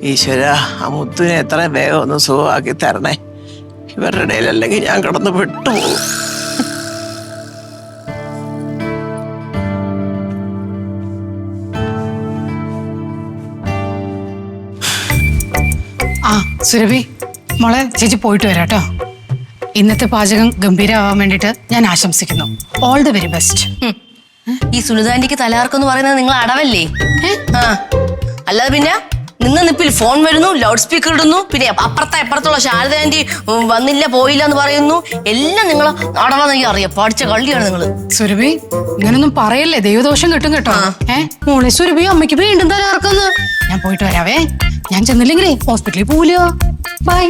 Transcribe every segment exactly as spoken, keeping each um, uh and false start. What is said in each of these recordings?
ഈശ്വര ആ മുത്തുവിനെ എത്ര വേഗം ഒന്ന് സുഖമാക്കി തരണേ. ഇവരുടെ ഇടയിലല്ലെങ്കിൽ ഞാൻ കിടന്ന് പെട്ടുപോകും. ആ സുരഭി മോളെ, ചേച്ചി പോയിട്ട് വരാം കേട്ടോ. ഇന്നത്തെ പാചകം ഗംഭീരമാവാൻ വേണ്ടിട്ട് ഞാൻ ആശംസിക്കുന്നു. All the very best. ഈ സുനിതാന്റിക്ക് തലകറക്കെന്ന് പറയുന്നത് നിങ്ങൾ അടവല്ലേ? ആ അല്ലാതെ പിന്നെ നിങ്ങൾ നിപ്പിൽ ഫോൺ വരുന്നു, ലൗഡ് സ്പീക്കർ ഇടുന്നു, പിന്നെ അപ്പുറത്തെ അപ്പുറത്തുള്ള ശാരദ ആന്റി വന്നില്ല പോയില്ല എന്ന് പറയുന്നു. എല്ലാം നിങ്ങൾ അടവാന്നെങ്കിൽ അറിയാം. പഠിച്ച കള്ളിയാണ് നിങ്ങൾ. സുരഭി ഇങ്ങനൊന്നും പറയല്ലേ, ദൈവദോഷം കിട്ടും കേട്ടോ. ഏ മോളെ സുരഭി, അമ്മയ്ക്ക് വീണ്ടും തലകറക്കുന്നു. ഞാൻ പോയിട്ട് വരാവേ. ഞാൻ ചെന്നില്ലെങ്കിലേ ഹോസ്പിറ്റലിൽ പോവില്ലോ. ബൈ.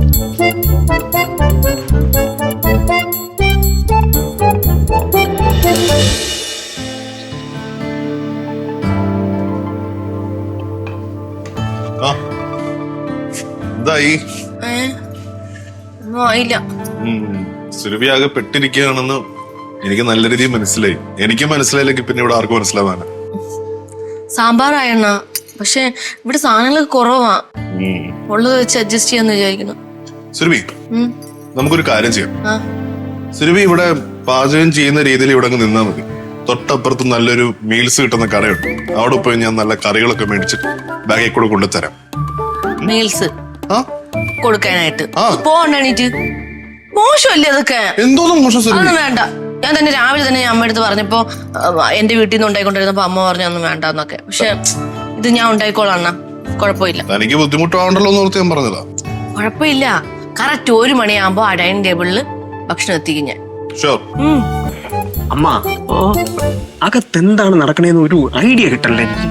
എന്തായി? ഒന്നും ആയില്ല. സുരഭി ആകെ പെട്ടിരിക്കുകയാണെന്ന് എനിക്ക് നല്ല രീതിയിൽ മനസ്സിലായി. എനിക്ക് മനസ്സിലായില്ലെങ്കിൽ പിന്നെ ഇവിടെ ആർക്കും മനസ്സിലാവാനാ. സാമ്പാറായണ്ണ, പക്ഷെ ഇവിടെ സാധനങ്ങളൊക്കെ കുറവാ. ഉള്ളത് വെച്ച് അഡ്ജസ്റ്റ് ചെയ്യാന്ന് വിചാരിക്കുന്നു. സുരഭി, നമുക്കൊരു കാര്യം ചെയ്യാം. സുരഭി ഇവിടെ പാചകം ചെയ്യുന്ന രീതിയിൽ ഇവിടെ അങ്ങ് നിന്നാ മതി. തൊട്ടപ്പുറത്ത് നല്ലൊരു മീൽസ് കിട്ടുന്ന കടയുണ്ട്. അവിടെ പോയി ഞാൻ നല്ല കറികളൊക്കെ മേടിച്ചിട്ട് ബാഗിൽ കൂടെ കൊണ്ടുതരാം. മീൽസ് കൊടുക്കാനായിട്ട് പോകണ്ടീറ്റ് മോശമല്ലേ അതൊക്കെ? എന്തോന്നും മോശം. അതൊന്നും വേണ്ട. ഞാൻ തന്നെ രാവിലെ തന്നെ ഞാൻ അമ്മ അടുത്ത് പറഞ്ഞപ്പോ എന്റെ വീട്ടിൽ നിന്ന് ഉണ്ടായിക്കൊണ്ടിരുന്നപ്പോ അമ്മ പറഞ്ഞു ഒന്നും വേണ്ടെന്നൊക്കെ. പക്ഷെ ഇത് ഞാൻ ഉണ്ടായിക്കോളാം, കുഴപ്പമില്ല. എനിക്ക് ബുദ്ധിമുട്ടാവണ്ടല്ലോ എന്ന് ഓർത്ത് ഞാൻ പറഞ്ഞതാ. കുഴപ്പമില്ല. കറക്റ്റ് ഒരു മണിയാകുമ്പോ ആ ഡൈനിങ് ടേബിളിൽ ഭക്ഷണം എത്തിക്കും ഞാൻ. അമ്മ, ഓ അകത്തെന്താണ് നടക്കണേന്ന് ഒരു ഐഡിയ കിട്ടല്ലേ എനിക്ക്.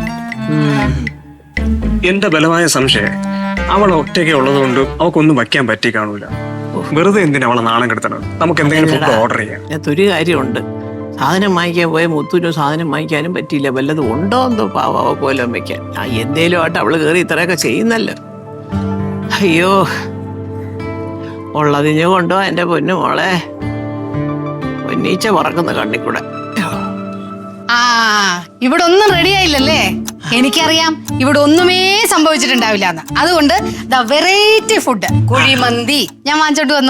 എന്റെ ബലമായ സംശയം അവൾ ഒറ്റയ്ക്ക് ഉള്ളത് കൊണ്ട് അവക്കൊന്നും വയ്ക്കാൻ പറ്റി കാണൂല. വെറുതെ എന്തിനാ അവളെ നാണം കെടുത്തണം? നമുക്ക് എന്തെങ്കിലും ഫുഡ് ഓർഡർ ചെയ്യാം. ഒരു കാര്യമുണ്ട്, സാധനം വാങ്ങിക്കാൻ പോയ മുത്തൂരും സാധനം വാങ്ങിക്കാനും പറ്റിയില്ല. വല്ലതും ഉണ്ടോ എന്തോ പാവ പോലെ വെക്കാൻ. ആ എന്തേലും ആയിട്ട് അവള് കയറി ഇത്രയൊക്കെ ചെയ്യുന്നല്ലോ. അയ്യോ, ഉള്ളതിഞ്ഞു കൊണ്ടോ എന്റെ പൊന്നു മോളെ. പൊന്നീച്ച പറക്കുന്ന കണ്ണിക്കൂടെ. ആ ഇവിടെ ഒന്നും റെഡി ആയില്ലല്ലേ? എനിക്കറിയാം ഇവിടെ ഒന്നുമേ സംഭവിച്ചിട്ടുണ്ടാവില്ല എന്ന്. അതുകൊണ്ട് ദ വെറൈറ്റി ഫുഡ് കുഴിമന്തി ഞാൻ വാങ്ങിച്ചോണ്ട് വന്നു.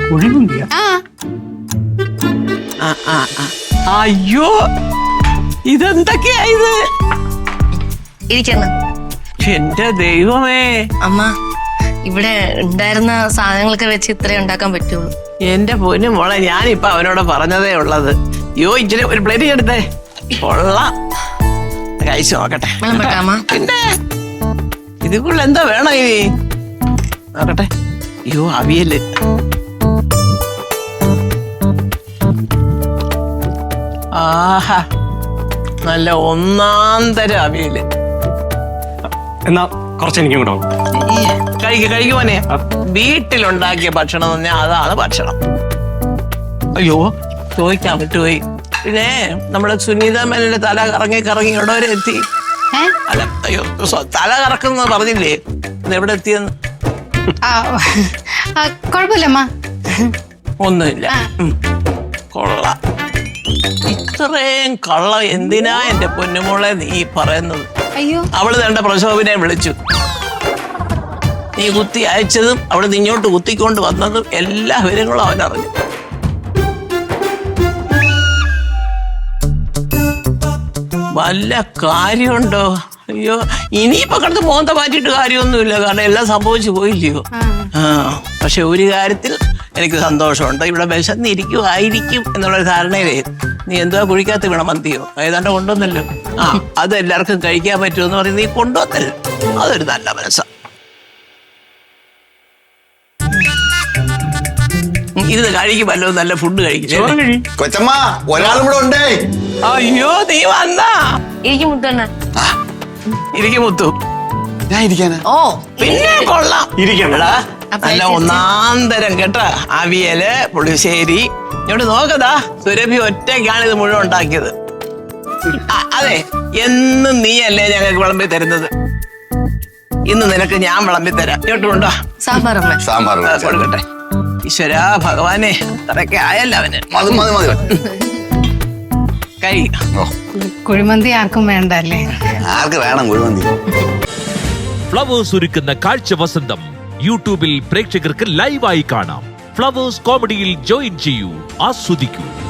ആ അയ്യോ, ഇതെന്തൊക്കെയാ ഇത്? ഇരിക്കുന്നു. എന്റെ ദൈവമേ. അമ്മ, ഇവിടെ ഉണ്ടായിരുന്ന സാധനങ്ങളൊക്കെ വെച്ച് ഇത്രേ ഉണ്ടാക്കാൻ പറ്റുള്ളൂ. എന്റെ പൊന്നു മോളെ, ഞാനിപ്പൊ അവനോട് പറഞ്ഞതേ ഉള്ളത്. യോ ഇച്ചിരി ഒരു പ്ലേറ്റ് എടുത്തേ. കൊള്ളാം, കഴിച്ചു നോക്കട്ടെ. പിന്നെ ഇതിക്കുള്ള എന്താ വേണം ഇനി നോക്കട്ടെ. അയ്യോ, അവിയല്. ആഹാ, നല്ല ഒന്നാം തരം അവിയല്. എന്നാ കുറച്ച് എനിക്കും കൂടെ കഴിക്ക കഴിക്കുവാനേ. വീട്ടിലുണ്ടാക്കിയ ഭക്ഷണം എന്ന് പറഞ്ഞാൽ അതാണ് ഭക്ഷണം. അയ്യോ, ചോദിക്കാൻ പറ്റുപോയി. പിന്നെ നമ്മുടെ സുനീത മേനന്റെ തല കറങ്ങി കറങ്ങി എവിടെ വരെ എത്തി? അല്ല, അയ്യോ, തല കറക്കുന്ന പറഞ്ഞില്ലേ, എവിടെ എത്തിയെന്ന്? കുഴപ്പമില്ലമ്മ, ഒന്നുമില്ല. കൊള്ളാം. ഇത്രയും കള്ള എന്തിനാ എന്റെ പൊന്നുമോളെ നീ പറയുന്നത്? അയ്യോ, അവള് തന്റെ പ്രശോഭനെ വിളിച്ചു. നീ കുത്തി അയച്ചതും അവള് നിങ്ങോട്ട് കുത്തിക്കൊണ്ട് വന്നതും എല്ലാ വിവരങ്ങളും അവനറിഞ്ഞു. വല്ല കാര്യമുണ്ടോ? അയ്യോ, ഇനിയിപ്പൊ കിടന്ന് മോന്ത മാറ്റിയിട്ട് കാര്യമൊന്നുമില്ല. കാരണം എല്ലാം സംഭവിച്ചു പോയില്ലയോ. ആ പക്ഷെ ഒരു കാര്യത്തിൽ എനിക്ക് സന്തോഷമുണ്ട്. ഇവിടെ വിശന്നിരിക്കുമായിരിക്കും എന്നുള്ളൊരു ധാരണയിലേ നീ എന്തോ കുഴിക്കാത്ത വീണ മന്തിയോ ഏതാണ്ട് കൊണ്ടുവന്നല്ലോ. ആ അത് എല്ലാവർക്കും കഴിക്കാൻ പറ്റുമെന്ന് പറഞ്ഞ് നീ കൊണ്ടുവന്നല്ലോ. അതൊരു നല്ല മനസ്സാ. ഇത് കഴിക്കുമല്ലോ, നല്ല ഫുഡ് കഴിക്കും. കൊച്ചമ്മ, ഒരാളും കൂടെ ഉണ്ടേ. അയ്യോ, നീ വന്നാ? എനിക്ക് മുത്തണ്ണ ഇരിക്കും മുത്തു. ഞാൻ ഇരിക്കാനാ? ഓ പിന്നെ കൊള്ളാം. ഇരിക്കണടാ, നല്ല ഒന്നാന്തരം കേട്ടാ. അവിയല്, പുളിശ്ശേരി. ഇങ്ങോട്ട് നോക്കതാ, സുരഭി ഒറ്റയ്ക്കാണ് ഇത് മുഴുവൻ ഉണ്ടാക്കിയത്. അതെ, എന്നും നീയല്ലേ ഞങ്ങൾക്ക് വിളമ്പി തരുന്നത്. ഇന്ന് നിനക്ക് ഞാൻ വിളമ്പി തരാം. ഇങ്ങോട്ടുണ്ടോ? സാമ്പാർ സാമ്പാർ കൊടുക്കട്ടെ. ഈശ്വരാ ഭഗവാനെ, അത്രയൊക്കെ ആയല്ലോ അവന്. മതി മതി മതി കഴി. കുഴിമന്തി ആർക്കും വേണ്ട അല്ലേ? ആർക്ക് വേണം കുഴിമന്തി? ഫ്ലവേഴ്സ് ഒരുക്കുന്ന കാഴ്ച വസന്തം യൂട്യൂബിൽ പ്രേക്ഷകർക്ക് ലൈവായി കാണാം. ഫ്ലവേഴ്സ് കോമഡിയിൽ ജോയിൻ ചെയ്യൂ, ആസ്വദിക്കൂ.